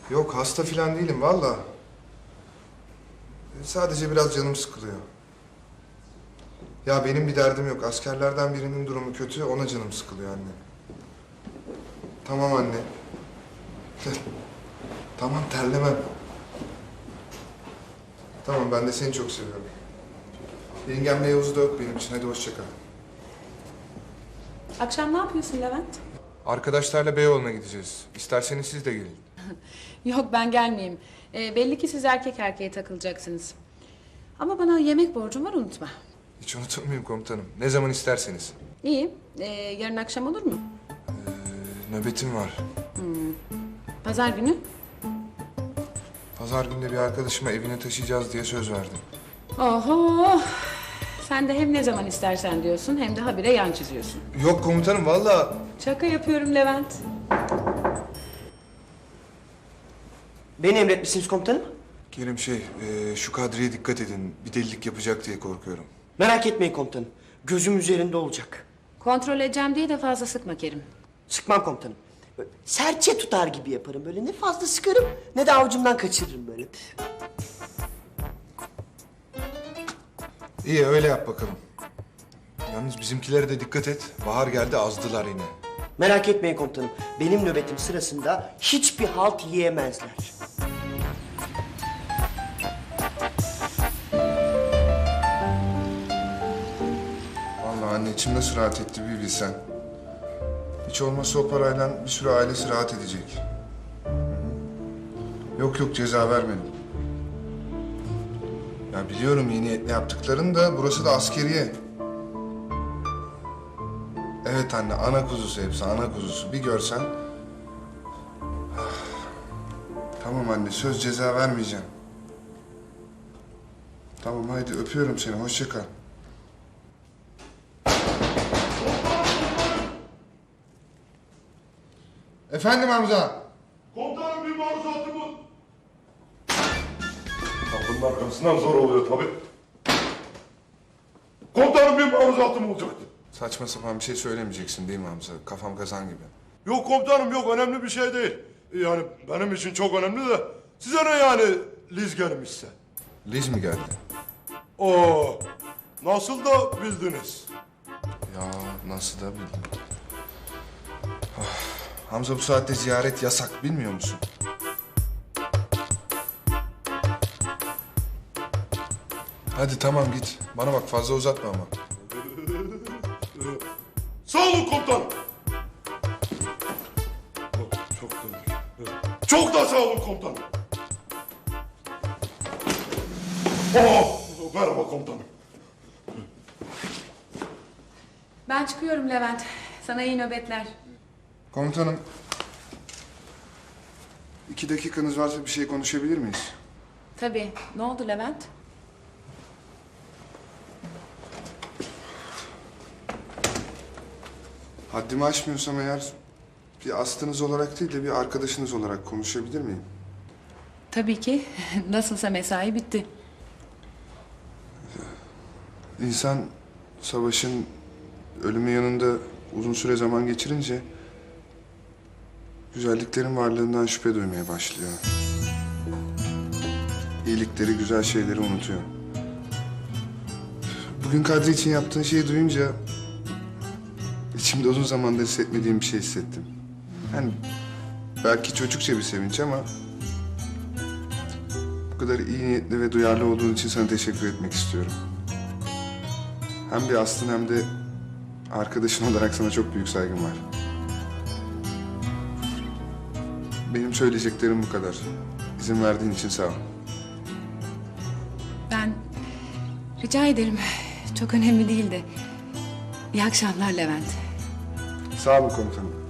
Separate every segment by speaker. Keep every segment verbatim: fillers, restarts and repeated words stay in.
Speaker 1: Yok hasta falan değilim valla. Sadece biraz canım sıkılıyor. Ya benim bir derdim yok. Askerlerden birinin durumu kötü, ona canım sıkılıyor anne. Tamam anne. Tamam terlemem. Tamam ben de seni çok seviyorum. Yengemle Yavuz da yok benim için. Hadi hoşça kal.
Speaker 2: Akşam ne yapıyorsun Levent?
Speaker 1: Arkadaşlarla Beyoğlu'na gideceğiz. İsterseniz siz de gelin.
Speaker 2: Yok ben gelmeyeyim. Ee, belli ki siz erkek erkeğe takılacaksınız. Ama bana yemek borcum var unutma.
Speaker 1: Hiç unutulmayayım komutanım. Ne zaman isterseniz.
Speaker 2: İyi. Ee, yarın akşam olur mu?
Speaker 1: Ee, nöbetim var.
Speaker 2: Pazar günü?
Speaker 1: Pazar günde bir arkadaşıma evine taşıyacağız diye söz verdim.
Speaker 2: Oho! Sen de hem ne zaman istersen diyorsun hem de habire yan çiziyorsun.
Speaker 1: Yok komutanım vallahi.
Speaker 2: Şaka yapıyorum Levent.
Speaker 3: Beni emretmişsiniz komutanım.
Speaker 1: Kerim şey, e, şu Kadri'ye dikkat edin. Bir delilik yapacak diye korkuyorum.
Speaker 3: Merak etmeyin komutanım. Gözüm üzerinde olacak.
Speaker 2: Kontrol edeceğim diye de fazla sıkma Kerim.
Speaker 3: Sıkmam komutanım. Böyle serçe tutar gibi yaparım böyle. Ne fazla sıkarım ne de avucumdan kaçırırım böyle.
Speaker 1: İyi öyle yap bakalım. Yalnız bizimkilere de dikkat et. Bahar geldi azdılar yine.
Speaker 3: Merak etmeyin komutanım. Benim nöbetim sırasında hiçbir halt yiyemezler.
Speaker 1: Vallahi anne içim nasıl rahat etti bir bilsen. Hiç olmazsa o parayla bir sürü ailesi rahat edecek. Hı hı. Yok yok ceza vermedim. Ya biliyorum iyi niyetle yaptıklarını da burası da askeriye. Evet anne ana kuzusu hepsi ana kuzusu bir görsen. Tamam anne söz ceza vermeyeceğim. Tamam haydi öpüyorum seni hoşça kal. Efendim Hamza.
Speaker 4: Komutanım bir maruzatı bu. Kapının arkasından zor oluyor tabii. Komutanım bir maruzatım olacaktı.
Speaker 1: Saçma sapan bir şey söylemeyeceksin değil mi Hamza? Kafam kazan gibi.
Speaker 4: Yok komutanım yok önemli bir şey değil. Yani benim için çok önemli de size ne yani Liz gelmişse.
Speaker 1: Liz mi geldi?
Speaker 4: Oo, nasıl da bildiniz.
Speaker 1: Ya nasıl da bildim. Ah, Hamza bu saatte ziyaret yasak bilmiyor musun? Hadi tamam git. Bana bak fazla uzatma ama.
Speaker 4: Sağ olun komutanım. Oh, çok da, çok da sağ olun komutanım. Oh, merhaba komutanım.
Speaker 2: Ben çıkıyorum Levent. Sana iyi nöbetler.
Speaker 1: Komutanım. İki dakikanız varsa bir şey konuşabilir miyiz?
Speaker 2: Tabii. Ne oldu Levent?
Speaker 1: Haddimi aşmıyorsam eğer bir astınız olarak değil de bir arkadaşınız olarak konuşabilir miyim?
Speaker 2: Tabii ki. Nasılsa mesai bitti.
Speaker 1: İnsan savaşın ölümü yanında uzun süre zaman geçirince güzelliklerin varlığından şüphe duymaya başlıyor. İyilikleri, güzel şeyleri unutuyor. Bugün Kadri için yaptığın şeyi duyunca içimde uzun zamandır hissetmediğim bir şey hissettim. Yani belki çocukça bir sevinç ama bu kadar iyi niyetli ve duyarlı olduğun için sana teşekkür etmek istiyorum. Hem bir aslın hem de arkadaşın olarak sana çok büyük saygım var. Benim söyleyeceklerim bu kadar. İzin verdiğin için sağ ol.
Speaker 2: Ben rica ederim. Çok önemli değildi. İyi akşamlar Levent.
Speaker 1: Sağ olun komutanım.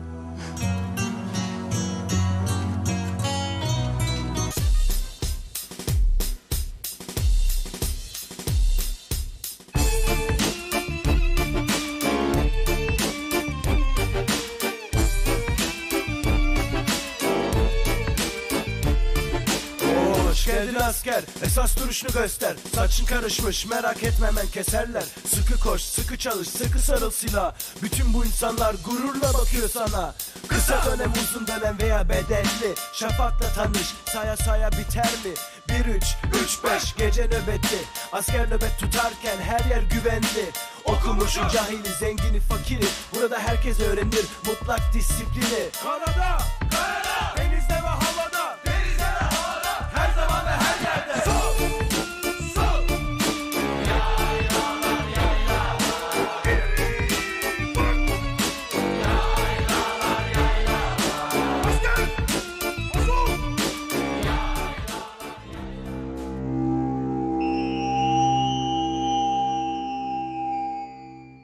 Speaker 5: Hoş geldin asker, esas duruşunu göster. Saçın karışmış, merak etme hemen keserler. Sıkı koş, sıkı çalış, sıkı sarıl silah. Bütün bu insanlar gururla bakıyor sana. Kısa dönem, uzun dönem veya bedelli. Şafakla tanış, saya saya biter mi? Bir üç, üç beş gece nöbeti. Asker nöbet tutarken her yer güvenli. Okumuşu, cahili, zengini, fakiri. Burada herkes öğrenir mutlak disiplini. Karada